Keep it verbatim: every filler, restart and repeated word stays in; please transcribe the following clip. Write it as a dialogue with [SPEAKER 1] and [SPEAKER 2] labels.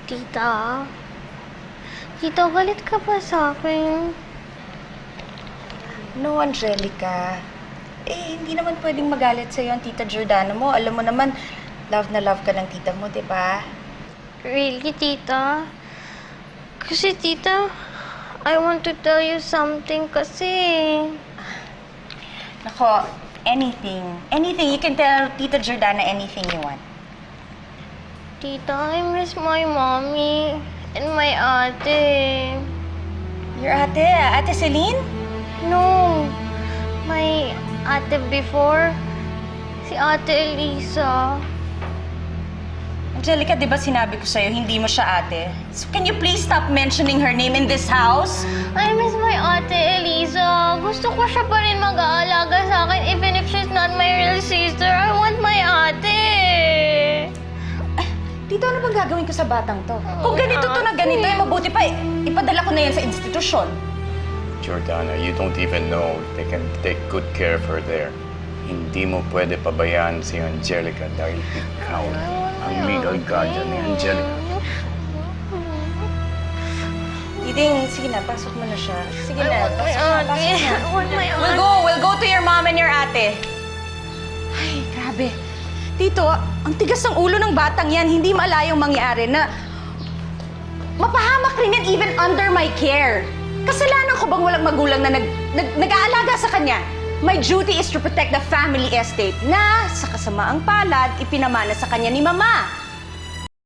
[SPEAKER 1] Tita? Tita, galit ka ba sa akin?
[SPEAKER 2] No, Angelica. Eh, hindi naman pwedeng magalit sa'yo ang tita Jordana mo. Alam mo naman, love na love ka ng tita mo, di ba?
[SPEAKER 1] Really, tita? Kasi, tita, I want to tell you something kasi.
[SPEAKER 2] Nako, anything. Anything. You can tell Tita Jordana anything you want.
[SPEAKER 1] Tita, I miss my mommy and my ate.
[SPEAKER 2] Your ate, Ate Celine?
[SPEAKER 1] No, my ate before, si Ate Elisa.
[SPEAKER 2] Angelica, di ba sinabi ko sa'yo, hindi mo siya ate? So can you please stop mentioning her name in this house?
[SPEAKER 1] I miss my ate Elisa. Gusto ko siya pa rin mag-aalaga sa akin even if she's not my real sister. I want my ate.
[SPEAKER 2] Tito, ano bang gagawin ko sa batang to? Kung ganito to na ganito, eh, mabuti pa eh, ipadala ko na yan sa institusyon.
[SPEAKER 3] Jordana, you don't even know if they can take good care of her there. Hindi mo pwede pabayaan si Angelica dahil ikaw ang legal guardian ni Angelica.
[SPEAKER 2] Iding, sige na, pasok mo na siya. Sige
[SPEAKER 1] I
[SPEAKER 2] na,
[SPEAKER 1] want my
[SPEAKER 2] pasok na,
[SPEAKER 1] ate.
[SPEAKER 2] pasok na.
[SPEAKER 1] I want my
[SPEAKER 2] We'll
[SPEAKER 1] ate.
[SPEAKER 2] go, we'll go to your mom and your ate. Ay, grabe. Tito, ang tigas ng ulo ng batang yan, hindi maalayang mangyari na mapahamak rin yan even under my care. Kasalanan ko bang walang magulang na nag, nag, nag-aalaga sa kanya? My duty is to protect the family estate na sa kasamaang palad ipinamana sa kanya ni Mama.